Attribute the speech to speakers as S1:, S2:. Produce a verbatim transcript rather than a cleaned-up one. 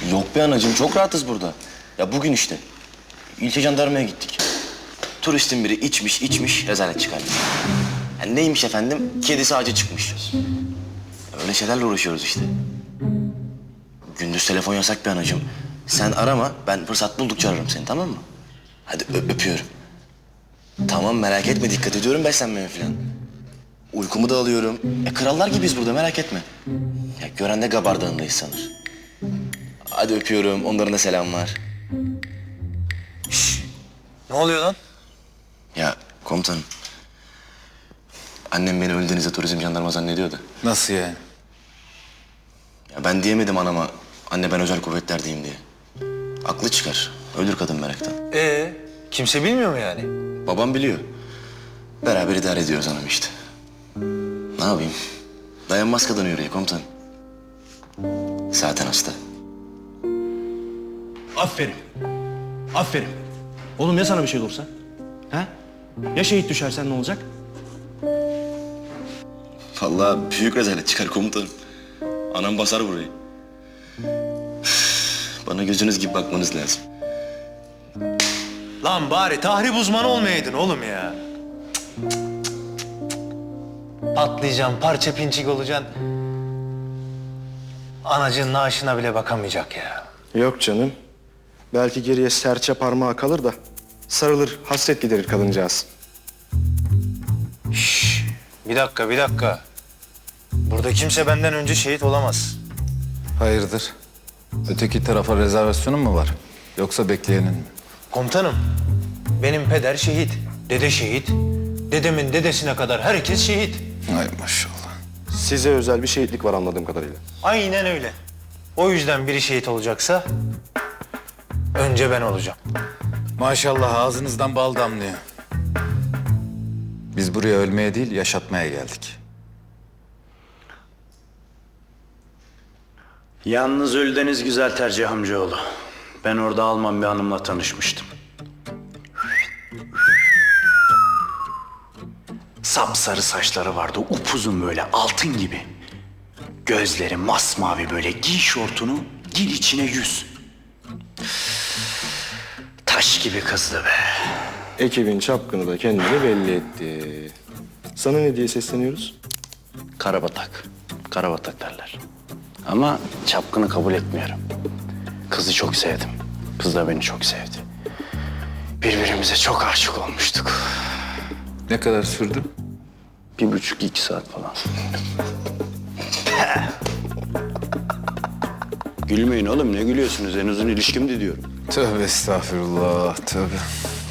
S1: Yok be anacığım, çok rahatız burada. Ya bugün işte ilçe jandarmaya gittik. Turistin biri içmiş içmiş rezalet çıkarmış. Yani neymiş efendim? Kedisi ağaca çıkmış. Öyle şeylerle uğraşıyoruz işte. Gündüz telefon yasak be anacığım. Sen arama, ben fırsat buldukça ararım seni, tamam mı? Hadi ö- öpüyorum. Tamam, merak etme, dikkat ediyorum beslenmeme falan. Uykumu da alıyorum. E, krallar gibiyiz burada, merak etme. Ya gören de Gabar Dağı'ndayız sanır. Hadi öpüyorum, onların da selam var.
S2: Ne oluyor lan?
S1: Ya komutanım, annem beni Ölüdeniz'de turizm jandarma zannediyor da.
S2: Nasıl yani?
S1: Ya ben diyemedim anama, anne ben özel kuvvetlerdeyim diye. Aklı çıkar, ölür kadın meraktan.
S2: Ee, kimse bilmiyor mu yani?
S1: Babam biliyor. Beraber idare ediyoruz hanım işte. Ne yapayım? Dayanmaz kadın yüreği komutanım. Zaten hasta.
S3: Aferin. Aferin. Oğlum ya sana bir şey olursa? Ha? Ya şehit düşersen ne olacak?
S1: Vallahi büyük rezalet çıkar komutanım. Anam basar burayı. Bana gözünüz gibi bakmanız lazım.
S2: Lan bari tahrip uzmanı olmayaydın oğlum ya. Patlayacaksın, parça pinçik olacaksın. Anacığın naaşına bile bakamayacak ya.
S4: Yok canım. Belki geriye serçe parmağı kalır da sarılır, hasret giderir kadıncağız.
S2: Bir dakika, bir dakika. Burada kimse benden önce şehit olamaz.
S5: Hayırdır? Öteki tarafa rezervasyonun mu var? Yoksa bekleyenin mi?
S2: Komutanım, benim peder şehit, dede şehit. Dedemin dedesine kadar herkes şehit.
S5: Ay maşallah.
S4: Size özel bir şehitlik var anladığım kadarıyla.
S2: Aynen öyle. O yüzden biri şehit olacaksa önce ben olacağım.
S5: Maşallah ağzınızdan bal damlıyor. Biz buraya ölmeye değil, yaşatmaya geldik.
S6: Yalnız Ölüdeniz güzel tercih amcaoğlu. Ben orada Alman bir hanımla tanışmıştım. Sapsarı saçları vardı, upuzun böyle altın gibi. Gözleri masmavi böyle, giy şortunu, gir içine yüz. Taş gibi kızdı be.
S4: Ekibin çapkını da kendini belli etti. Sana ne diye sesleniyoruz?
S6: Karabatak, karabatak derler. Ama çapkını kabul etmiyorum. Kızı çok sevdim. Kız da beni çok sevdi. Birbirimize çok aşık olmuştuk.
S5: Ne kadar sürdü?
S6: Bir buçuk iki saat falan. Gülmeyin oğlum, ne gülüyorsunuz? En uzun ilişkimdi diyorum.
S5: Tövbe estağfurullah, tövbe.